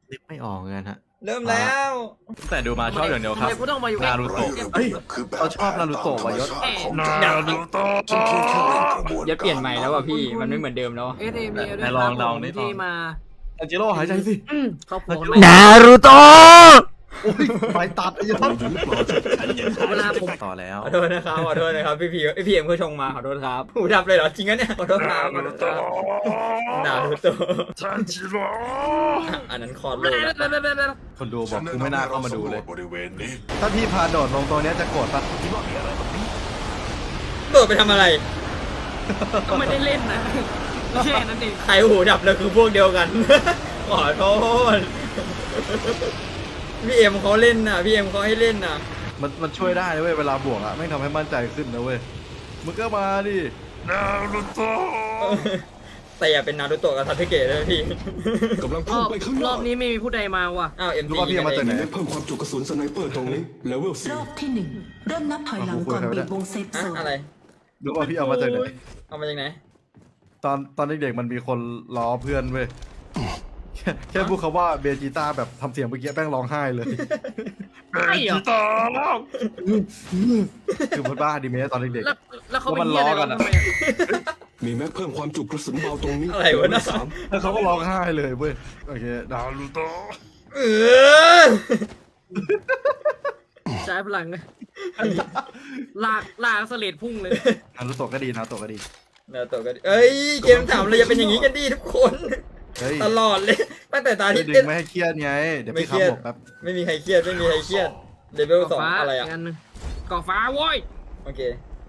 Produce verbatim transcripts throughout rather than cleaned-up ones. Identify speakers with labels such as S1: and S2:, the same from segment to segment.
S1: นึกไม่ออกเงินฮะ
S2: เริ่มแล้ว
S3: แต่ดูมาชอบอย่างเดียวครับ
S4: ทำไมกูต้องมาอยู่
S3: นารูโตะ
S1: เฮ้ยเราชอบนารูโตะว่ะยศ
S3: นารูโตะ
S5: ยศเปลี่ยนใหม่แล้วว่ะพี่มันไม่เหมือนเดิมแล้ว
S4: เอสเอ็มเอ
S3: ไหนลองลองดิ
S4: ที่มา
S1: อันเจโร่หายใจสิ
S4: เขาผัวกันไหม
S5: นารูโตะ
S1: โอ้ยไปตัดไอ้ยศ
S4: เวลาผม
S1: ต่อแล้ว
S5: ขอโทษนะครับขอโทษนะครับพี่พีพี่เอ็มเขาชงมาขอโทษครับหูดับเลยเหรอจริงนะเนี่ยขอโทษครับขอโทษครับนารูโตะ
S3: ทันจิโร่
S5: อันนั้นคอร์โลแล้ว
S1: คนดูบอกกูไม่น่าเข้ามาดูเลย
S6: บริเวณนี้
S1: ถ้าพี่พาโดดลงตรงเนี้ยจะโกรธปะ
S5: โดดไปทำอะไร
S4: ก็ไม่ได้เล่นนะแค่นั้นเอง
S5: ใครหูดับเลยคือพวกเดียวกัน ขอโทษพี่เอ็มเขาเล่นน่ะพี่เอ็มเขาให้เล่นน่ะ
S1: มันมันช่วยได้เว้ยเวลาบวกอะไม่งทำให้มั่นใจขึ้นนะเว้ยมึงก็มาดิ
S3: นารูโตะ
S5: แต่อย่าเป็นนารูโตะกับซาสึเกะเลยพี่
S6: กำลัง
S4: ร
S6: พุ่
S4: อง บ
S6: ไปข้างห
S4: ร
S6: น้า
S4: อบนี้ไม่มีผู้ใดมาว่ะ
S5: อ้าวเอ็ม
S1: รู้
S5: จี
S1: ว่าพี่เอามาจากไหน
S6: ได้เพิ่มความจุกระสุนสไนเปอร์ตรงนี้เลเวล
S7: ร
S6: สี่
S7: อบที่หนึ่งเริ่มนับถอยหลังก่อนบีบวงเซฟ
S5: อะ
S7: โซน
S5: อะไร
S1: รู้ว่าพี่เอามาจากไหน
S5: เอามาจากไหน
S1: ตอนตอนเด็กๆมันมีคนล้อเพื่อนเว้ยแค่แค่พูดคำว่าเบจิต้าแบบทำเสียงเมื่อกี้แป้งร้องไห้เลย
S4: ใช่เหรอ
S3: จิตาแล้ว
S1: คือมันบ้าดีเมสตอนเด็ก
S4: แล้วแล้วเขาเป็น
S1: ว่ามัน
S4: เหี้ยอะไร
S1: ล้อกั
S4: กัน
S1: นอะ
S4: ทำไมอะ
S6: มีแม็กเพิ่มความจุกระสุนเบาตรงนี้
S5: อะไรวะน่ะ
S6: สาม
S1: ๆแล้วเขาก็ร้องไห้เลยเว้ยโอเค
S3: นารูโตะ
S5: เออ
S4: ใช้พลังนะลากลากเสลดพุ่งเลย
S1: นารุโตะก็ดีนารุโตะก็ดี
S5: นารูโตะก็เอ้ยเกมถามเลยอย่าเป็นอย่างนี้กันดิทุกคน
S1: เฮ้ย
S5: ตลอดเลยตั้งแต่ตา
S1: ช่ว
S5: ที่
S1: ยดึ
S5: เล่
S1: ง
S5: น
S1: ไม่ให้เครียดไงเดี๋ยว
S5: ไม่
S1: พี่
S5: เครียด
S1: คำบอกแป๊บ
S5: ไม่มีใครเครียดไม่มีใครเครียดเลเวลสอง
S4: ฟ้า
S5: อะไรอ่ะ
S4: กนหนึ่งเกาะฟ้าโว้ย
S5: โอเค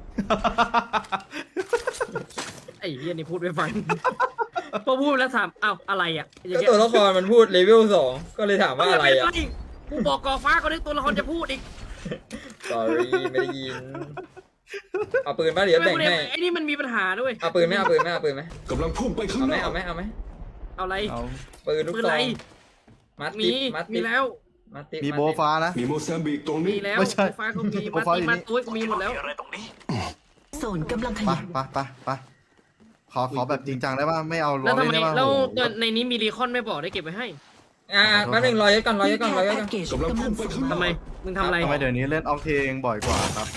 S4: ไอ้เหี้ยนี่พูดไม่ฟัง พอพูดแล้วถามอ้าวอะไรอ่ะอย่า
S5: ก็
S4: งเงี้ย
S5: ตัวละครมันพูดเลเวลสองก็เลยถามว่าอะไรอ่ะ
S4: กูบอกเกาะฟ้าก็ได้ตัวละครจะพูดอีก
S5: sorry ไม่ได้ยินเอาปืนป่ะเดี๋ยวแบ่งให้
S4: ไอ้นี่มันมีปัญหาด้วย
S5: เอาปืนไหมเอาปืนไหมเอาปืนไหม
S6: กำลังพุ่งไปข้าง
S5: เอา
S6: ห
S5: ไหม
S6: น้า
S5: เอาไหมเอาไหม
S4: เอาอะไร
S1: เอา
S5: ปืนลูก
S4: ปืน
S5: ซ
S4: อะ
S5: อ
S4: ไรง
S5: มัด
S4: มี
S5: ติดมัด
S4: มี
S5: ติด
S4: แล้ว
S5: มัดติด
S1: มีโบฟ้านะ
S6: มีโมแซมบิกตรง
S4: มี
S6: นี้
S4: แล้ว
S1: ไม่ใช่
S4: ฟ้าก็มี
S1: โปร
S4: มา
S1: ไฟล์
S4: ตี
S1: อยู่
S4: มา
S1: นี่
S4: ตุ้ยก็มีหมดแล้ว
S7: โซนกำลังข
S1: ไป
S7: ยับ
S1: ไปไปไปขอขอแบบจริงจังได้ป่ะไม่เอาล้
S4: แล้
S1: อ
S4: วทำ
S1: เล่น
S4: ไม
S1: ได้ป่ะ
S4: แล้ว
S1: โอ้โห
S4: ในนี้มีรีคอนไม่บอกได้เก็บไว้ให้
S5: อ่าแป๊บนึงรอยัดก่อนรอยัดก่อนรอยัดก่อน
S7: แพ็กเกจ
S6: กำลัง
S7: กำลั
S6: พุ่
S7: ง
S6: งไป
S7: ส่ง
S6: ข้างหน้า
S4: ทำไมมึงทำอะไร
S1: ทำไมเดี๋ยวนี้เล่นออกเทงบ่อยกว่าครับ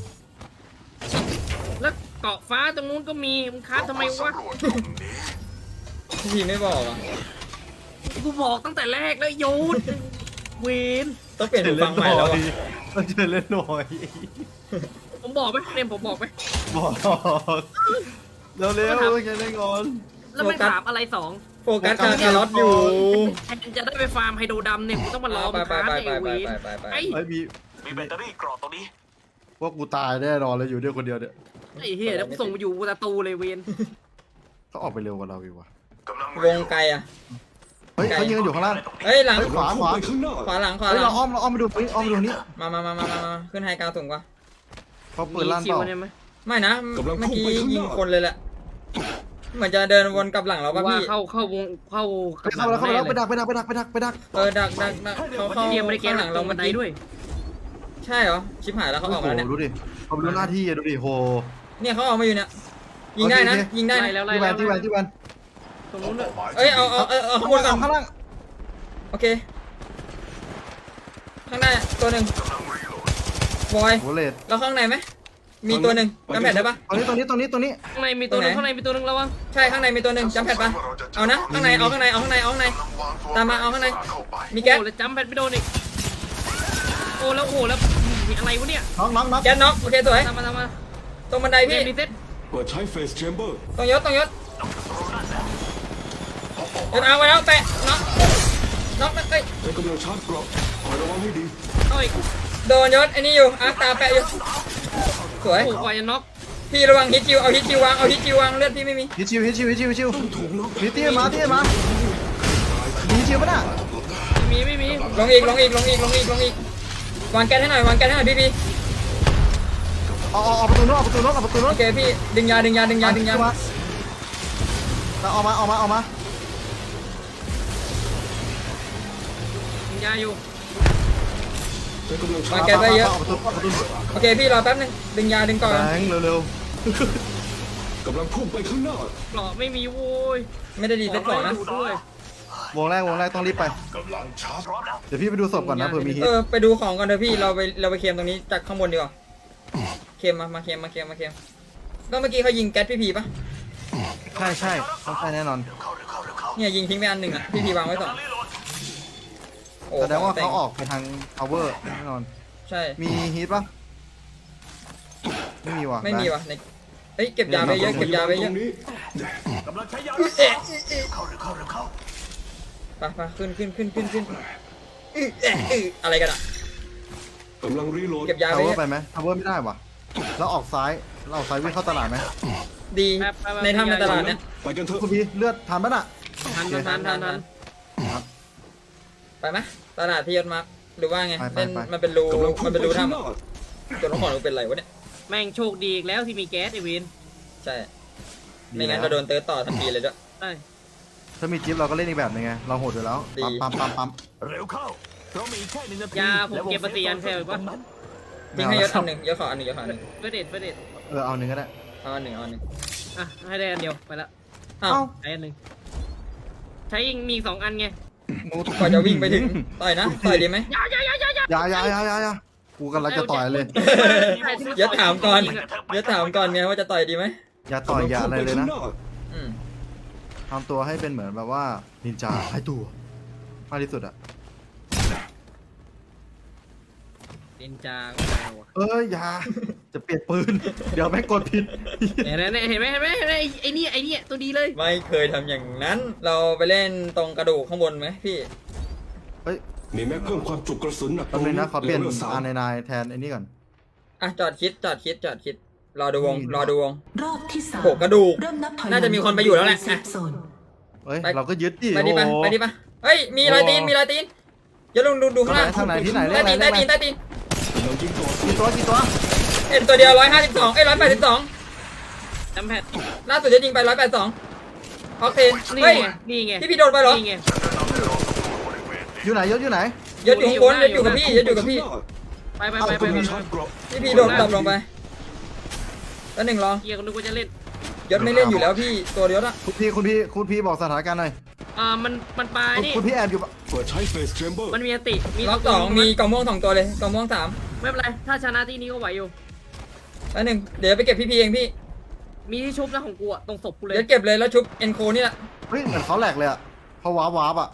S4: แล้วเกาะฟ้าตรงนู้นก็มีมึงค้านทำไมวะ
S5: พี่ไม่บอกอ่ะ
S4: กูบอกตั้งแต่แรกแล้วโยนเวน
S5: ต้องเปลี่ยนหูฟังใหม่แล้วอ่ะ
S1: ต้องเจอเล่นหน่อย
S4: ผมบอกไหมเนมผมบอกไหม
S1: บอกเร็วเร็วๆจะเล่นก่อน
S4: แล้วไม่ถามอะไรสอง
S5: โฟกัสการคาร์ลอตอยู่
S4: แทนจะได้ไปฟาร์มไฮโดรดำเนี่ยกูต้องมารอ
S5: ไป
S4: มึง
S5: ไป
S4: ค้าน
S5: ไป
S4: ไอ้
S5: ไป
S4: เว
S5: ไป
S4: น
S5: ไปไป
S4: ไอ้
S1: ไอ้ยมี
S6: มีแบตเตอรี่กรอบตรงนี้
S1: พวกกูตายแน่นอนเลยอยู่ด้วยคนเดียวเนี่ย
S4: ไอ้เหี้ยแล้วกูส่งไปอยู่ประตูเลยเวน
S1: เขาออกไปเร็วกว่าเราอีกว่ะ
S5: วงไกลอ่ะ
S1: เฮ้ยเขายืนอยู่ข้างล่าง
S5: เฮ้ยหลัง
S1: เฮ้ยขวาขวา
S6: ไปข้างหน้า
S5: ขวาหลังขวา
S1: เฮ้ย
S5: หลั
S1: เรา
S5: ง
S1: อ้อมเราอ้อมไปดูนี่อ้อมไปดูนี่
S5: มามามามามามาขึ้นไฮกราวสูงกว่า
S1: เขาปื
S4: มี
S1: นลั่น
S4: คิ
S1: เป
S4: ว
S1: ล่า
S4: เนี่ยไหม
S5: ไม่นะเมื่อกี้ยิงคนเลยแหละเหมือนจะเดินวนกลับหลังเราป่ะ
S4: ว่า
S5: พี่
S4: เข้าเข้าวงเข้า
S1: ไปเข้าแล้วเข้าแล้วไปดักไปดักไปดักไปดักไปดัก
S5: เออดักดักดักเขาเข้า
S4: เตรียมบริการ
S5: ข้างห
S4: ห
S5: ลั
S4: ลั
S5: ง
S4: ง
S5: เรา
S4: บั
S5: เมื่
S4: น
S5: อ
S4: ได
S5: กี้
S4: ด้วย
S5: ใช่เหรอชิบหายแล้วเขาออกมาแล้วเนี่ย
S1: ดูดิเขาดูหน้าที่ดูดิโห
S5: เนี่ยเขาออกมาอยู่เนี่ยยิงได้นะยิงได้นะ
S4: แล้วไล่
S1: ที่แวน
S4: แล้ว
S1: ที่แวนที่แวน
S4: ตรงนู้นด้วย
S5: เอ้ยเอาเอาเอาเอาข้างบนก่อน
S1: ข้างล่าง
S5: โอเคข้างหน้าตัวหนึ่งบอย
S1: โหเลด
S5: แล้วข้างในไหมมีตัวหนึ่งจำแผ่นได้ปะ
S1: ตรงนี้ตรงนี้ตรงนี้ตรงนี้
S4: ข้างในมีตัวหนึง
S5: ตรงไหน
S4: ข้างในมีตัวหนึงระวัง
S5: ใช่ข้างในมีตัวหนึ่งจำแผ่นปะเอานะข้างในเอาข้างในเอาข้างในเอาข้างในตามมาเอาข้างในมีแก๊ส
S4: โอ้แล้วจัมป์แพดไม่โดนอีกโอ้แล้วโอ้แล้วมีอะไรวะเนี่ย
S1: น้องน้องน้อง
S5: แก๊สน็อกโอเคสวย
S4: ตามมาตามมา
S5: ตรงบันได
S4: เก
S5: พี่
S4: มรีเซ็ต
S6: เปิดใช้เฟสแชมเบอร์
S5: ตรงยศตรงยศยศเอาไว้แล้วแปะน็อกน็อกเอ้ย
S6: ในกำลังชาร์จกรอบคอยระวังให้ดี
S4: เอาอีก
S5: โดนยศไอ้นี่อยู่อาร์ตาแปะอยู่สวย
S4: โอ้กว่าจะน็อก
S5: พี่ระวังฮิตจิวเอาฮิตจิววางเอาฮิตจิววางเลือดพี่ไม่มี
S1: ฮิตชิวฮิตชิวฮิตชิวฮิตชิว
S6: ถูกน็อก
S1: มีเตี้ยมาเตี้ยมามีชิวปะน่ะ
S4: ไม่มีไม่มี
S5: ลงอีกลงอีกลงอีกลงอีกลงอีกวางแก๊สให้หน่อยวางแก๊สให้หน่อยพี่พี่
S1: เอาเอาเอาประตูนู้นเอาประตูนู้นเอาประตูนู้
S5: โอน เคพี่ดึงยาดึงยาดึงยาดึงยา
S1: มาเอามาเอามาเอามา
S4: ยิงยาอยู่
S6: ในกำลังชาว
S5: าง
S6: ร์จ
S5: แก๊สไว้เยอะ
S1: าประตูเอาประตู
S5: โอเคพี่รอแป๊บนึงดึงยาดึงก่อน
S1: แบงค์เร็ว
S6: กำลังพุ่งไปข้างหน้า
S4: เกราะไม่มีโว้ย
S5: ไม่ได้ดีเซ็ตก่อนนะ
S4: ดูด้วย
S1: ๆวงแรกวงแรกต้องรีบไป
S3: กำลังชาร์จพร้อมแล้ว
S1: เดี๋ยวพี่ไปดูศพก่อนนะเผื่อมีฮิต
S5: เออไปดูของก่อนเถอะพี่เราไปเราไปเคลมตรงนี้จากข้างบนดีกว่าเคลมมามาเคลมมาเคลมมาเคลมก็เมื่อกี้เขายิงแก๊สพี่พีปะ
S1: ใช่ใช่ต้องใช่แน่นอน
S3: เข้าเร็วเข้าเร็วเข้า
S5: เนี่ยยิงทิ้งไปอันหนึ่งอ่ะพี่พีวางไว้สองโอ้
S1: แสดงว่า
S5: แต่
S1: เขาออกไปทาง power แน่นอน
S5: ใช่
S1: มีฮิตปะไม่มีว่ะ
S5: ไม่มีวะในเฮ้ยเก็บยาไปเยอะเก็บยาไปเย
S6: ตร
S5: อะ
S6: งนี้
S3: กำลังใช้ยา
S5: เอ๊ะ
S3: เข้าเร็วเข้าเร็วเข้า
S5: ไปไปขึ้นขึ้นขึ้นขึ้นขึ้นอื้อเอ๊ะอื้ออะไรกันอ่ะ
S6: กำลังรีโหลด
S5: เก็บยาไป
S1: power
S5: เยอะ
S1: ไปไหม power ไม่ได้ว่ะแล้วออกซ้ายเราออกซ้ายวิ่งเข้าตลาดไหม
S5: ดีในถ้ำในตลาดเนี่ย
S6: ไปกันเถอะ
S1: คุณพี่เลือดทันปะน่ะ
S4: ทันทันทันทันทัน
S1: ครับ
S5: ไปไหมตลาดที่ยศมาร์คหรือว่าไง
S1: ไปไป
S5: เล่น
S1: ไป
S5: มันเป็นรู
S6: กำลังพุ่
S5: มั
S6: ง
S5: นเป็น
S6: ไป
S5: รู
S6: ข้าง
S5: ถ้ำ
S6: หน้า
S5: อะตัวน้องของเราเป็นไรวะเนี่ย
S4: แม่งโชคดีอีกแล้วที่มีแก๊สไอวิน
S5: ใช่ไม่งั้นเราโดนเติร์ดต่อทันทีเลยด้วย
S4: ใช่
S1: ถ้ามีจิ๊บเราก็เล่นอีกแบบนึงไงเราโหดอยู่แล้ว
S5: ดี
S1: ปั๊มปั๊มปั๊มปั๊ม
S3: เร็วเข้าเรามีแค่หนึ่งนาที
S4: ยาผมเก็บปฏิยันแค่ปะ
S5: ทิ้งให้ยศอันหนึ่งยศขออันหนึ่งยศขออันหนึ่ง
S4: เฟรเดตเฟรเดต
S1: เออเอาหนึ่งก็ได้
S5: เอาอันหนึ่งเอาอันหนึ่ง
S4: อ่ะให้ได้อันเดียวไปละ
S5: อ้าว
S1: เอ้า
S4: ใช้อันหนึ่งใช้ยิงมีอีกสองอันไง
S5: ก่อนจะวิ่งไปถึงต่อยนะต่อยดีไหม
S4: ยายายายายา
S1: อย่าอย่าอย่าอย่าอย่ากูกำลังจะต่อยเลย
S5: ยศถามก่อนยศถามก่อนไงว่าจะต่อยดีไหม
S1: อย่าต่อยอย่าอะไรเลยนะ
S5: อืม
S1: ทำตัวให้เป็นเหมือนแบบว่านินจาหายตัวมากที่สุดอะ
S4: เดนจาก็ได้ว่ะ
S1: เอ้ยอย่าจะเปลี่ยนปืน เดี๋ยวแม่งกดผิด
S4: เห็นไหมเห็นไหมเห็นไหมเห็นไหมไอ้ไอ้นี่ไอ้นี่ตัวดีเลย
S5: ไม่เคยทำอย่างนั้น เราไปเล่นตรงกระดูกข้างบนไหมพี่
S1: เฮ้ย
S6: มีแม็กเพิ่มความจุกระสุนหนัก
S1: แป๊บนึงนะขอเปลี่ยน
S6: ลวลสาม
S1: อาร์ไนน์แทนไอ้นี่ก่อน
S5: อ่ะจอดคิดจอดคิดจอดคิดรอดูวงรอดูวง
S7: รอบที่สาม
S5: โหกระดูก
S7: เริ่มนับถอยหลัง
S5: น่าจะมีคนไปอยู่แล้วแหละ
S7: เซฟโซน
S1: เฮ้ย
S5: ไป
S1: เราก็ยึดดิ
S5: ไปดิปะ
S1: โอ้โห
S5: ไปดิปะเฮ้ยมีรอยตีนมีรอยตีนอย่าลงดูดูข้างล่าง
S1: ทางไหนที่ไหนเรีย
S5: ใต้
S1: กอะไร
S5: ตีน
S1: เรี
S5: ใต้
S1: ยกอะไร
S5: ตีนใต้ตีน
S6: กำลังยิงต่อสู้
S1: กี่ตัวกี่ตัว
S5: เอ็นตัวเดียวร้อยห้าสิบสองเอ้ยร้อยแปดสิบสอง
S4: จำแพท
S5: ล่าสุดจะยิงไปร้อยแปดสองออกเทน
S4: นี่
S5: เฮ้ย
S4: ไงนี่ไง
S5: ที่พี่โดนไปเหรอ
S4: นี่ไง
S1: อยู่ไหนยศอยู่ไหน
S5: ยศอยู่ข้างบนยศอยู่กับพี่ยศอยู่กับพี่
S4: ไปไปไปไป
S6: กำ
S4: ไป
S6: ลังชาร์จเกราะ
S5: พี่พี่โดนตบลงไปแล้วหนึ่งรอ
S4: เฮียก็นึกว่าจะเล่น
S5: ยศไม่เล่นอยู่แล้วพี่ตัวยศอะ
S1: คุณพี่คุณพี่คุณพี่บอกสถานการณ์หน่อย
S4: อ่ามันมันปลาย
S1: คุณ
S4: นี่
S1: คุณพี่แอบอยู่ปะ
S6: เปิดใช้เฟสแชมเบอร์
S4: มันมีอติมี
S5: ล็อกสองมีกล่องม่วงสองตัวเลยกล่องม่วงสาม
S4: ไม่เป็นไรถ้าชนะที่นี้ก็ไหวอยู่
S5: แล้วหนึ่งเดี๋ยวไปเก็บพี่พีเองพี่
S4: มีที่ชุบนะของกูอะตรงศพกูเลย
S5: เดี๋ยวเก็บเลยแล้วชุบเอ็นโคนี่แหละ
S1: เฮ้ยเหมือนเขาแหลกเลยอะเขาวาร์ปวาร์ปอะ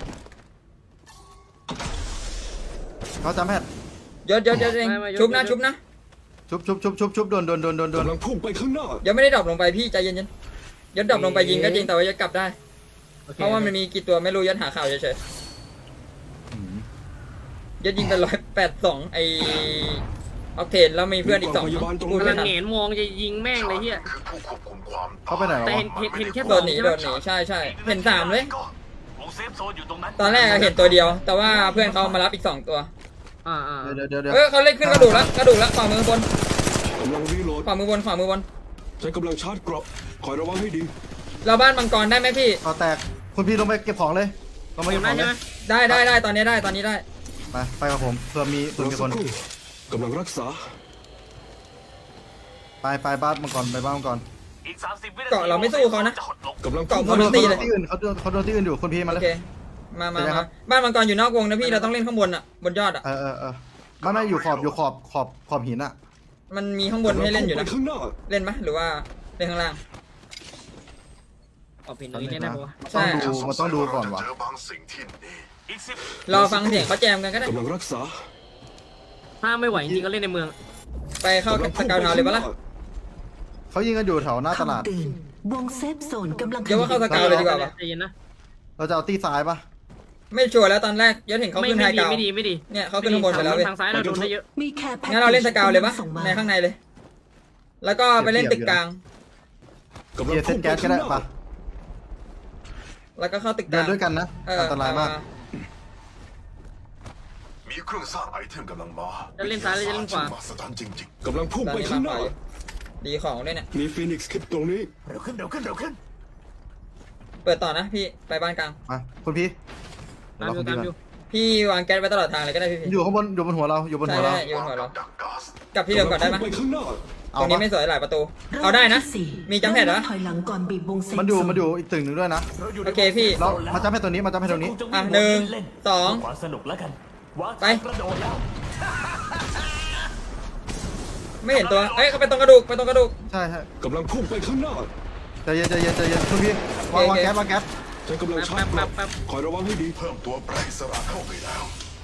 S1: เขาจำแพทย์
S5: ยศยศยศเองชุบนะชุบนะ
S1: ชุบชุบชุบชุบชุบโดนโดนโดนโดนโดน
S6: กำลังพุ่งไปข้างหน้า
S5: ยศไม่ได้ดรอปลงไปพี่ใจเย็นๆยศดรอปลงไปยิงก็จริงแต่ว่ายศกลับได้
S4: โอค
S5: เพราะว่ามันมีกี่ตัวไม่รู้ยศหาข่าวเฉย
S1: อืม
S5: ๆยศยิงไปร้อยแปดสองไอออกเทนแล้วมีเพื่อนอีกสอง
S6: มีกล่องพยาบาลตรง
S5: พูด
S4: กำ
S5: ไม่
S4: ลัง
S5: ทัน
S4: เหงนมองจะยิงแม่งเลยเฮีย
S3: ผู้ควบคุมความ
S1: เขาไปไหนแล้ว
S4: แต่
S1: วะ
S4: เห็นเห็นเห็นแค่
S5: โด
S4: สอน ง
S5: หนี
S4: ใช่
S5: โด
S4: ไหม
S5: นหนีใช่ใช่เห็นสามเลย
S3: วงเซฟโซนอยู่ตรงนั้น
S5: ตอนแรกเห็นตัวเดียว แต่ว่าเพื่อนเขามารับอีกสองตัว
S4: อ่าอ่า
S1: เดี๋ยวเดี๋ยวเดี๋ยว
S5: เออเขาเล่นขึ้นกระดูกแล้วกระดูกแล้วขวามือบน
S6: กำลังรีโหลด
S5: ขวามือบนขวามือบน
S6: ใช้กำลังชาร์จเกราะคอยระวังให้ดี
S5: เราบ้านมังกรได้ไหมพี่
S1: เอาแตกคุณพี่ลงไปเก็บของเลยลงไป
S4: เห็
S1: เก็
S4: น
S1: บ
S4: ไหม
S1: ของเล
S4: ใช่
S1: ย
S4: ไหม
S5: ได้ได้ได้ตอนนี้ได้ตอนนี้ได้
S1: ไปไปกับผมเผื่อมีเผื่อ
S6: รอ
S1: มี
S6: สั
S1: ค
S6: ก
S1: น
S6: ครู่กำลังรักษา
S1: ไปไปบ้านมังกรไปบ้านมังกร
S3: อีกสามสิบวินาที
S5: เกาะเราไม่สู้เขานะ
S3: จะหดลง
S6: กำลัง
S5: เกาะ
S6: พุ่ง
S5: หมด
S6: ไป
S5: ตีเลย
S1: ที่อื่นเขาโดนเขาโดนที่อื่นอยู่คุณพี่มา
S5: โอ
S1: เลย
S5: เคมามา
S1: เดี๋ยวนะครั
S5: มา
S1: บ
S5: บ้านมังกรอยู่นอกวงนะพี่เราต้องเล่นข้างบนอ่ะบนยอดอ่ะ
S1: เออเออเออไม่ไม่อยู่ขอบอยู่ขอบขอบขอบหินอะ
S5: มันมีข้างบนให้เล่นอยู่นะ
S6: กำลังพุ่งไปข้างหน้า
S5: เล่นไหมหรือว่าเล่นข้างล่าง
S4: ออกผิดตรงนี้แน่ๆปะวะ
S5: ใช่
S1: ต้องดูมันต้องดูก่อนวะ
S3: เจอบางสิ่งที่นี่อีกสิบ
S5: รอฟังเสียงเขาแจมกันก็ได้
S6: กำลังรักษา
S4: ถ้าไม่ไหวจริงๆก็เล่นในเมือง
S5: ไปเข้าสกาวทาวน์เลยปะล่ะ
S1: เขายิงกันอยู่แถวหน้าตลาด
S7: คำเตือนวงเซฟโซนกำลังข
S5: เดี๋ยวว่าเข้าส
S7: ยาย
S5: กาวเลยดีกว่าปะ
S4: ใจเย็นนะ
S1: เราจะเอาตีซ้ายปะ
S5: ไม่ชัวร์แล้วตอนแรกยศเห็นเขา
S4: ไม่
S5: ขึ้นไฮ
S4: ไม่ดี
S5: กาว
S4: ไม่ดีไม่ดี
S5: เนี่ยเขาขึ้นข้างบนไปแล้วเว้ย
S4: ทางซ้ายเราโดนได้เยอะ
S7: มีแค่แพ็ค
S5: งั้นเราเล่นสกาวเลยปะ
S7: ส่งมา
S5: ในข้างในเลย แล้วก็ไปเล่นตึกกลาง
S6: กำลัง
S1: เกียร์เส้
S6: พุ่
S1: น
S6: งไป
S1: แก๊สก็
S6: ข้างห
S1: ได้
S6: น้า
S1: ปะ
S5: แล้วก็เข้าตึกก
S1: เดิ
S5: ลาน ง
S1: ด้วยกันนะ
S5: เออ
S1: อันตรายมาก
S3: มีเครื่องสร้างไอเทมกำลังมา
S4: จะเล่นซ้ายหรือจะเล่นขวา
S3: มหัศจรรย์จริง
S6: กำลังพุ่ง
S5: ตอน
S6: ไป
S5: นี้
S6: ข้าง
S5: มา
S6: ห
S5: ไป
S6: น้า
S5: ดีของด้วยเนี่ย
S6: มีฟีนิกซ์คลิปตรงนี้
S3: ๆ เร็วขึ้นเร็วขึ้นเร็วขึ้น
S5: เปิดต่อนะพี่ไปบ้านกลาง
S1: มาคุณพี่
S4: ตามอยู่ตามอยู่
S5: พี่วางแก๊สไว้ตลอดทางเลยก็ได้พี่พี่
S1: อยู่ข้างบนอยู่บนหัวเราอยู่บน
S5: ใช่
S1: หัวเรา
S5: ใช่อยู่บนหัวเรา
S3: ดักก๊าซ
S5: กลับที่เดิมก่อนได้ไหม
S6: กำลังพุ่งไปข้างหน้า
S5: ตรงนี้ไม่สวยหลายประตู เอาได้นะ
S7: รบที่สี่
S5: มีจำแพดเหรอ
S7: ถอยหลังก่อนบีบวงเซฟ
S1: มันอยู่
S7: โซ
S1: มันอยู่อีกตึกหนึ่งด้วยนะ
S5: โอเคพี่
S1: แล้วมาจำให้ตัวนี้มาจำให้ตัวนี้
S5: อ่ะหนึ่งสอง
S2: ความสนุกแล้วกันวาง
S5: ไป
S2: กระโดดแล้ว
S5: ไม่เห็นตัว เอ้ยเขาไปตรงกระดูกไปตรงกระดูก
S1: ใช่ใช่
S6: กำลังพุ่งไปข้างหน้า
S1: ใจเย็นใจเย็นใจเย็นคุณพี่วางวางแก๊สวางแก๊ส
S6: ใช้กำลังชาร์จเกราะคอยระวังให้ดี
S3: เพิ่มตัวแปรอิสระเข้าไปแล้ว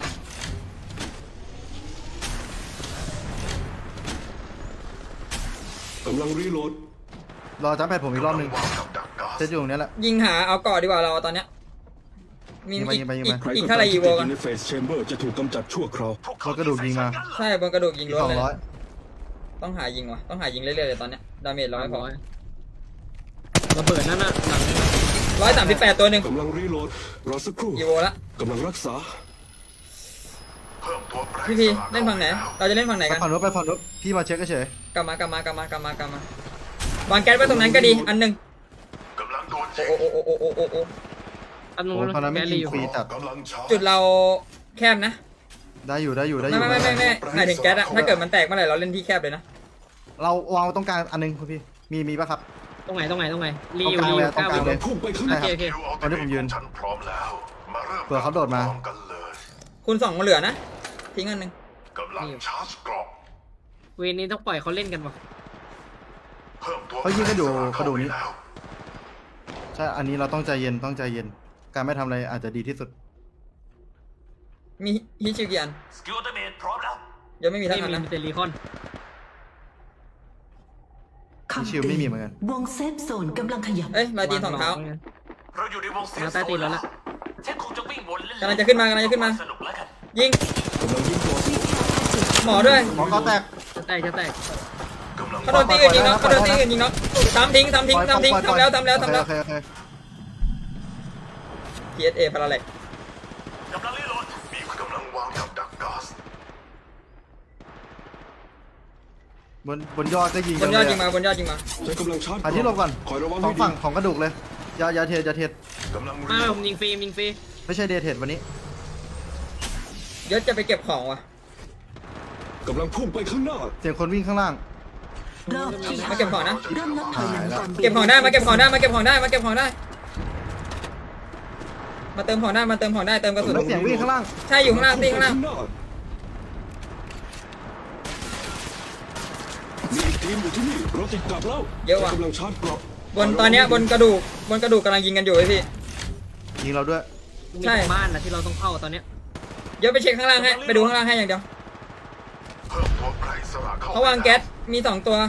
S6: กำลังรีโหลด
S1: รอจำแพดผมอีกรอบหนึ่ง
S3: วางกับดักก๊าซ
S1: เซตอยู่ตรงเนี้ยแหละ
S5: ยิงหาเอาก่อดีกว่าเราตอนเนี้ย มี
S1: ยิงไป
S5: อีก
S1: ยิงไปยิง
S5: อี
S1: ไป
S5: ก
S6: ใคร
S5: อีก
S6: ก็
S5: เท่าไหร่
S6: ตาม
S5: อี
S6: ที่
S5: โว
S6: ติดอ
S5: กัน
S6: ยู่ในเฟสแชมเบอร์จะถูกกำจัดชั่วคราว
S1: รถกระดูกยิงมา
S5: ใช่บนกระดูกยิง
S1: อีก
S5: ล้
S1: ส
S5: น
S1: อง
S5: เลย
S1: ร้อย
S5: ต้องหายิงว่ะต้องหายิงเรื่อยๆเลยตอนเนี้ยดาเมจเราไม่พอ
S4: ระเบิดนั่นน่ะหลัง
S5: ร้อยสามสิบแปดตัวหนึ่ง
S6: กำลังรีโหลด รอสักครู่
S5: อีโวละ
S6: กำลังรักษา
S3: เพิ่มตัวแปร
S5: พี่
S3: อิ
S5: พี
S3: สระ
S5: เล่นฝั่งไหน เราจะเล่นฝั่งไหน
S1: ไป
S5: กัน
S1: ฝั่งนู้นไปฝั่งนู้นพี่มาเช็คเฉย
S5: กลับมากลับมากลับมากลับมากลับมา วางแก๊สไว้ตรงนั้นก็ดี อันหนึ่ง
S3: กำลังโดนยิง
S5: โอ้โอ้โอ้โอ้โอ้โอ้โอ้
S4: อัน
S1: ๆ
S4: นู้
S1: โอ้
S4: น
S1: ตอนนั้นไม่
S4: แก
S1: ยิ
S4: ลี
S1: ง
S4: อยู่
S1: ฟรีจัด
S3: กำลังชาร์จ
S5: จุดเราแคบนะ
S1: ได้อยู่ได้อยู่ได้อ
S5: ไม่
S1: ยู่
S5: ไม่ไม่ไม่ไม่หมายถึงแก๊สอะถ้าเกิดมันแตกเมื่อไหร่เราเล่นที่แคบเลยนะ
S1: เราวางไว้ตรงกลางอันหนึงคุณพี่มีมีป่ะครับ
S4: ตรงไหนตรงไหนตรงไหนรีอยู่
S1: ตรง
S4: รี
S1: กลาง
S4: อยู่
S1: เลย
S4: เก้า
S1: ตรงกลางเลย
S6: กำลังพุ่งไปข้างห
S1: ใช่
S6: น้า
S1: ครับ
S4: โอเค
S1: ตอนนี้ผมยืน
S3: ฉันพร้อมแล้วมาเริ่ม
S1: เผื่อเขาโดดมา
S3: พร้อกันเลย
S5: คูณสองมาเหลือนะ ทิ้งอันหนึ่ง
S3: กำลังชาร์จเกรอบ
S4: เวรนี้ต้องปล่อยเขาเล่นกันป่ะ
S3: เพิ่มตัว
S1: เขายิงกันอยู่
S3: แปรอิส
S1: กระดูกนี้
S3: เข้าไปแล้ว
S1: ใช่อันนี้เราต้องใจเย็นต้องใจเย็น การไม่ทำอะไรอาจจะดีที่สุด
S5: มีฮิชิวกี่อัน
S2: สกิลดาเมจพร้อมแล้ว
S5: ยังไม่มีทั้
S4: ไม่
S5: งอัน
S4: มี
S5: นะ
S4: เตลีคอน
S7: คำ
S1: ชิวไม่มีเหมือนกัน
S7: วงเซฟโซนกำลังขยับ
S5: เอ้ยมาตีนสองเท้า
S2: เราอยู่ในวงเซฟ
S4: มาใต้ตีนแล้วล่ะ
S2: ฉันคงจะวิ่งวนเล่นๆ
S5: กำลังจะขึ้นมากำลังจะขึ้นมา
S2: สนุกแล้วกัน
S5: ยิง
S6: กำลังยิงต่อสู้
S5: หมอด้วย
S1: หมอก็แตก
S4: จะแตกจะแตก
S3: กำลัง
S5: เขาโดนตีอื่นยิงน็อกเขาโดนตีอื่นยิงน็อกทำทิ้งทำทิ้งทำทิ้ง
S1: ปล่อยปล่อย
S5: ทำแล้วทำแล้วทำแล้ว
S1: โอเคโอเคโอเค
S5: พี เอส เอ พาราเล็ก
S2: กำลังรีโหลด
S3: มีกำลังวางกับดักก๊าซ
S1: บนบนยอดก็ยิง
S5: บนยอดยิงมาบนยอดยิงมา
S6: ใช้กำลังชาร์จเก
S1: อัน
S6: ราะ
S1: ที่ลงก่อน
S6: คอยระวัง
S1: สอ
S6: ให้
S1: ง
S6: ดี
S1: ฝั่งของกระดูกเลยอย่าอย่าเทอย่าเท
S3: กำลัง
S4: มา
S3: รีโหล
S4: ผ
S3: ด
S4: มยิงฟรียิงฟรี
S1: ไม่ใช่เดทเทวันนี้
S5: ยศจะไปเก็บของว่ะ
S6: กำลังพุ่งไปข้างหน้า
S1: เสียงคนวิ่งข้างล่าง
S7: รอบที่
S5: มาเก็บของนะ
S7: เริ่มนับถอยหลังก่อน
S5: เก็บของได้มาเก็บของได้มาเก็บของได้มาเก็บของได้ มาเติมของได้มาเติมของได้เติมกระสุน
S1: แล้วเสียงวิ่งข้างล่าง
S5: ใช่อยู่ข้างล่างตีข้างล่าง
S6: มีอีกทีมอยู่ที่นี่รถติดกลับแล้ว
S5: เยอะว่ะ
S6: ใช้กำลังชาร์จเกราะ
S5: บนตอนเนี้ยบนกระดูกบนกระดูกกำลังยิงกันอยู่ไอ้พี่
S1: ยิงเราด้วย
S4: มี
S5: ใช่
S4: บ้านนะที่เราต้องเข้าตอนเนี้ย
S5: เดี๋ยวไปเช็คข้างล่างให้ไปดูข้างล่างให้อย่างเดียว
S3: เพิ่มตัวแปรอิสระเข้าไป
S5: เขาวางแก๊สมีสองตัว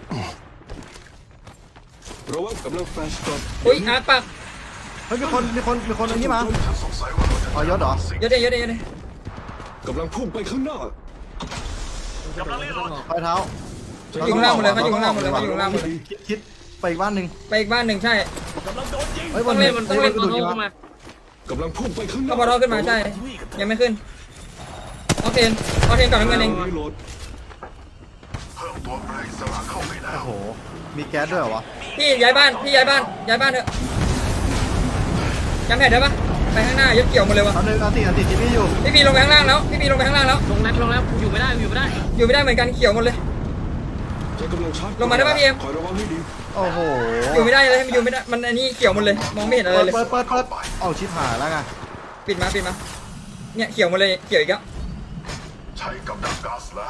S6: ระวังกำลังแฟลชกรอบ
S5: อุ้ยอาร์คปัก
S1: เฮ้ยมีคนมีคนมีคนอันนี้มา
S3: ฉันสงสัยว่าเราจะ
S1: อ๋อยศเหรอ
S5: เยอะเลยเยอะเลยเยอะเลย
S6: กำลังพุ่งไปข้างหน้า
S2: กำลังรีโหลด
S1: ปลายเท้า
S5: อยู่ข้างล่างหมดเลยเขาอยู่ข้างล่างหมดเลยเขาอยู่ข้างล่างหมดเลย
S1: คิดคิดไปอีกบ้านหนึ่ง
S5: ไปอีกบ้านหนึ่งใช่
S2: กำลังโดนยิง
S1: เฮ้ยบ
S4: ต้อน งเล่นมันต้องเล่น
S1: ก
S4: ตั
S1: ระ
S4: ว
S1: ดูก
S4: โต
S1: ยิง
S4: ขึ้น
S1: มา
S4: มา
S6: กำลังพุ่งไปข้างหน้า
S5: เขาบอลขึ้นมาใช่ ยังไม่ขึ้นออกเทนออกเทนก่อนน้ำเงินเอง
S6: รีโหลด
S3: เพิ่มตัวแปรอิสระเข้าไปแล้ว
S1: โอ้โหมีแก๊สด้วยเหรอวะ
S5: พี่ย้ายบ้านพี่ย้ายบ้านย้ายบ้านเถอะจำแผนได้ปะไปข้างหน้ายศเกี่ยวหมดเลยวะ
S1: เอาหนึ่งเอาติเอาติที่พี่อยู่
S5: พี่พีลงไปข้างล่างแล้วพี่พีลงไปข้างล่างแล้ว
S4: ลงแล้วลงแล้วอยู่ไม่ได้อยู่ไม่ได้
S5: อยู่ไม่ได้เหมือนกันเขียวหมดเลย
S6: ใช้กำลังชาร์จ
S5: ลงมาได้ปะพี่เอ็ม
S6: คอยระวังให้ดี
S1: โอ้โห
S5: อยู่ไม่ได้เลยอยู่ไม่ได้มันอันนี้เขียวหมดเลยมองไม่เห็นอะไร
S1: เปิด
S5: เลย
S1: เปิดเปิดเปิดเอาชิบหายแล้วไง
S5: ปิดมาปิดมาเนี่ยเขียวหมดเลยเขียวอีกแล้ว
S3: ใช้กับดักก๊าซแล้ว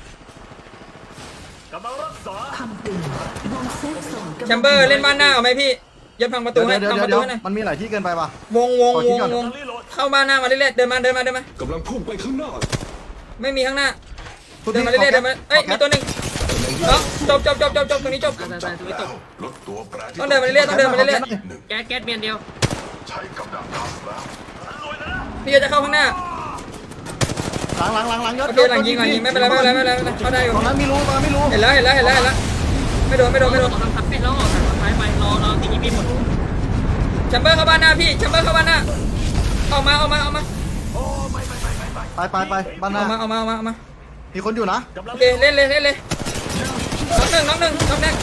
S2: กำลังรักษา
S7: คำเตือนวงเซฟโซนกำลัง
S5: แชมเบอร์เล่นบ้านหน้าเอาไหมพี่ยศพังประตู
S1: เดี๋ยว
S5: ให้
S1: เดี๋ยว
S5: พัง
S1: เดี๋
S5: ป
S1: ยว
S5: ระ
S1: เดี๋ยว
S5: ตูให้หน่อย
S1: มันมีหลายที่เกินไปป่ะ
S5: วงวง
S1: ขอ
S5: ว
S1: คิด
S5: ง
S1: ก่อน
S5: วงเข้าบ้านหน้ามาเรื่อยๆเดินมาเดินมาเดินมาก
S6: ำลังพุ่งไปข้างหน้า
S5: ไม่มีข้างหน้า
S1: คุณ
S5: เดิน
S1: พี่
S5: มาเรื่อยๆเดินมาเอ้ยมีตัวหนึ่งเนาะจบจบจบจบจบตรงนี้จบ
S4: ตายตายตายตัวไม่ตก
S3: ลดตัวแปรที่
S5: ต้องเดินมาเรื่อยๆต้องเดินมาเรื่อย
S3: หนึ่ง
S4: แก๊สแก๊สเมียนเดียว
S3: ใช้กับดักก๊าซแล้ว
S5: ๆพี่จะเข้าข้างหน้า
S1: หลังหลังหลังหลังยศ
S5: โอเคหลังยิงหลังยิงไม่เป็นไรไม่เป็นไรไม่เป็นไรไม่เป็นไรเข้าได้อยู่
S1: ตรงนั้นไม่รู้ตรงนั้นไม่รู้
S5: เห็นแล้วเห็นแล้วเห็นแล้วเห็นแล้วไม่โดนไม่โดนไม่โดน
S4: ออกทางทับเป็ดแล้วออกทางซ้ายไปรอรอตีนี้หมด
S5: แชมเบอร์เข้าบ้านหน้าพี่แชมเบอร์เข้าบ้านหน้าออกมาออกมาออกมา
S1: ไปไปไปบ้านห
S5: อ
S1: น้า
S5: อกมาออกมาออกมาออกมา
S1: มีคนอยู่นะ
S5: โอเคเล่นเลยเล่นเลยน้องหนึ่งน้องหนึ่งน้องแดง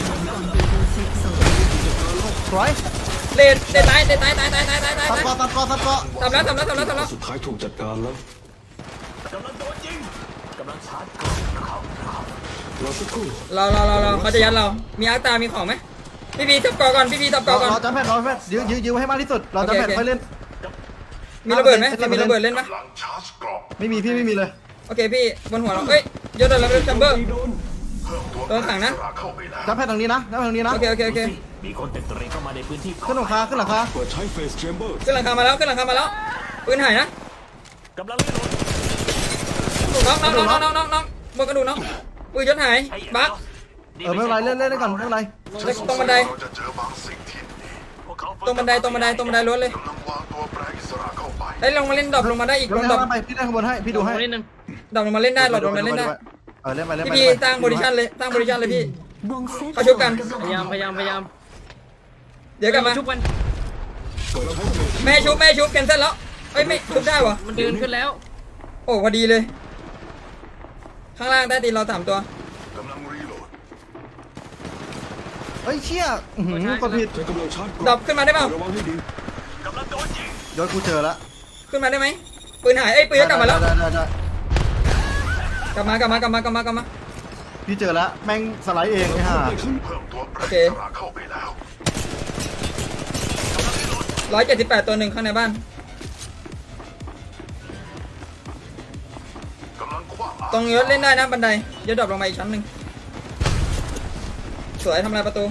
S1: สวย
S5: เล่นเล่นตายเล่นตายตายตายตายตายตาย
S1: ตัดเกาะตัดเกาะตัดเกาะ
S5: ทำแล้วทำแล้วทำแล้วทำแล้ว
S6: สุดท้ายถูกจัดการแล้ว
S2: กำลังโดนยิงกำลังชาร์จเกราะเข้าเข้า
S6: รอสักครู่
S5: เราเราเราเราเขาจะยัดเรา มีอาร์ตามีของไหมพี่พีทับกอก่อนพี่พีทับกอก่อน
S1: รอจับแพทรอจับแพทยื้อยื้อยื้อให้มากที่สุดรอจับแพท
S5: โอเค
S1: ค่อยเล่น
S5: มีระเบิดไหม
S1: เอา
S5: เรา
S1: ไป
S5: มีระเบิดเล่นปะ
S3: กำลังชาร์จกรอบ
S1: ไม่มีพี่ไม่มีเลย
S5: โอเคพี่บนหัวเราเอ้ยยศระดับจัมเบอร์
S6: โดน
S3: เพิ่มตัว
S5: โดนขังนะ
S3: แปลอิสระเข้าไปแล้ว
S1: จับแพททางนี้นะจับแพททางนี้นะ
S5: โอเคโอเคโอเค
S2: มีคนเต็มตรีเข้ามาในพื้นที่
S1: ขึ้นหลังคาขึ้นหลังคา
S6: เปิดใช้เฟสแชมเบอร์
S5: ขึ้นหลังคามาแล้วขึ้นหลังคามาแล้วปืนหายนะ
S2: กำลังรีโหลด
S5: น้องน้องน้องน้องน้องน้องบนกระดูกน้องปืนยศหาย
S2: ไอ้
S5: บั๊ก
S1: เออไม่เป็นไรเล่นเล่นได้ก่อนไม่เป็นไร
S5: ตรงบันได
S3: เราจะเจอบางสิ่งที่
S2: พวกเขา
S5: ตรงบันไดตรงบันไดตรงบันไดรถเลย
S3: กำลังวางตัวแปลอิสระเข้าไป
S5: ได้ลงมาเล่นดรอปลงมาได้อีก
S1: ล
S5: ล
S1: ง
S5: งดรอป
S1: ข้างไปพี่ได้ข้างบนให้พี่ดูให้
S4: นิดนึง
S5: ดรอปลงมาเล่นได้หลอดลงมาเล่นได้
S1: เออเล่นไปเล่น
S5: พี่
S1: ไป
S5: พีตั้งโพซิชันเลยตั้งโพซิชันเลยพี่
S7: วงเซฟ
S5: เขาชุบกัน
S7: โซ
S4: พยายามพยายามพยายาม
S5: เดี๋ยวกลับมา
S4: ชุบมัน
S6: เปิดใช้เฟส
S5: แม่ชุบแม่ชุบแคนเซิลแล้วเอ้ยไม่ชุบได้วะ
S4: มันเดินขึ้นแล้ว
S5: โอ้พอดีเลย ข้างล่างใต้ตีนเราสามตัว
S3: กำลังรีโหลด
S1: เฮ้ยเชี่ยอื้อหือกดผิด
S6: ใช้กำลังชาร์จกร
S5: ดร
S6: อ
S5: อบ ปขึ้นมาได้เปล่า
S6: ระวังให้ดี
S2: กำลังโดนยิง
S1: ยศกูเจอแล้ว
S5: ขึ้นมาได้ไหมปืนหายเอ้ยปืนจะกลับมาแล้ว
S1: ได้ได้ได้
S5: กลับมากลับมากลับมากลับมากลับมา
S1: พี่เจอแล้วแม่งสไลด์เองไอ้ห่า
S6: ไปข้าง
S3: เพิ่มตัวแปล
S5: โอเค
S3: อิสระเข้าไปแล้ว
S5: ร้อยเจ็ดสิบแปดตัวหนึ่งข้างในบ้าน
S3: กำลังคว้าง
S5: ตรงยศเล่นได้นะบันไดยศดรอปลงมาอีกชั้นหนึ่งสวยทำลายประตู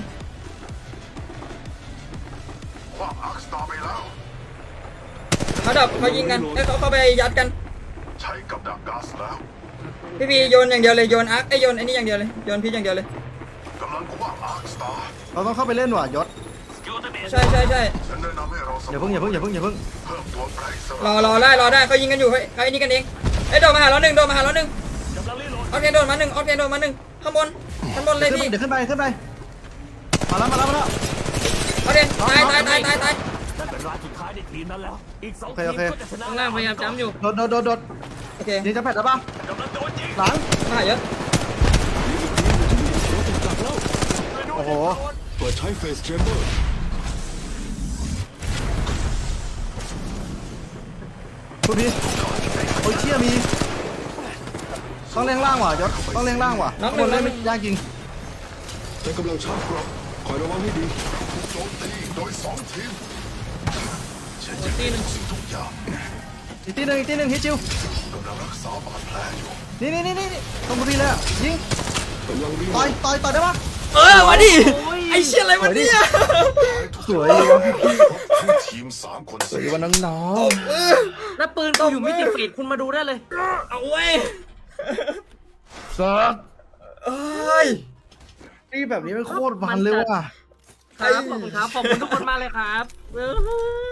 S3: คว้างอาร์คสตาร์ไปแล้ว
S5: เขาดับเขายิงกันเอ้ยเขาเข้าไปยัดกัน
S3: ใช้กับดักก๊าซแล้ว
S5: พี่พีโยนอย่างเดียวเลยโยนอาร์คไอยโยนไอ้นี่อย่างเดียวเลยโยนพีชอย่างเดียวเลย
S3: กำลังคว้างอาร์คสตาร์
S1: เราต้องเข้าไปเล่นว่ะยศ
S2: สกิลเตอร์เบส
S5: ใช่ใช่ใช่
S3: ฉันแนะนำให้เราส
S1: อย่าเพิ่งอย่าเพิ่งอย่าเพิ่งอย่าเพิ่ง
S3: เพิ่มตัวแปลอิส
S5: ร
S3: ระ
S5: อรอได้รอได้เขายิงกันอยู่เฮ้ยเขาไอ้นี่กันเองไอ้ยโดนมาหาเราหนึ่งโดนมาหาเราหนึ่ง
S2: กำลังรีโหลด
S5: ออเคโดนมาหนึ่งออเคโดนมาหนึ่งข้างบนข้างบนเลยพี่
S1: เดี๋ยวขึ้นไปขึ้นไปมาแล้วมาแล้วมาแล้ว
S5: โอเคตายตายตายตายตาย
S2: นั่นเป็นรายสุดท้ายในทีมนั้นแล้ว อีกสอง
S1: โอเค
S2: ที
S1: โอ
S2: ม
S1: เค
S2: ก็จะชนะ
S4: ข้างล่างพยายามจ้ำอยู่
S1: โดดโดดโดดโดด
S5: โอเค
S1: ยิงจะแพทได้ปะ
S2: กำลังโดนยิง
S1: หลัง
S5: มาหายศ
S6: รถติดกลับแล้ว
S1: โอ้โห
S6: เปิดใช้เฟสแชมเบอร์
S1: คุณพี่โอ้ยเชี่ยมีต้องเล่งล่างว่ะยศต้องเล่งล่างว่ะคนเล่นไม่ยากจริง
S6: ใช้กำลังชาร์จกรอบคอยระวังให้ดี
S3: โจมตีโดยสองทีมฉันจะ
S4: ตีหนึ่ง
S3: สิ่งทุกอย่าง
S1: อีกทีหนึ่งอีกทีหนึ่งฮิตจิว
S3: กำลังรักษาบาดแผลอยู่
S1: นี่นี่นี่นี่ตรงบุรีเลยอ่ะยิง
S6: กำลังรีโหล
S1: ต่อย
S6: ด
S1: ต่อยต่อยได้ปะ
S5: เออมาดิไอเชี่ยอะไรวะเนี่ย
S1: สวยดีวะ
S3: ทั้งทีมสามคน
S1: สวยดีวะน้อง
S5: เออ
S4: แล้วปืนกูอยู่มิติฟีดคุณมาดูได้เลย
S5: เอาเว้ย
S1: ๆสัส
S5: เอ้ย
S1: นี่แบบนี้มันโคตรมันเลยว่ะ
S4: ครับขอบคุณครับขอบคุณทุกคนมากเลยครับเออ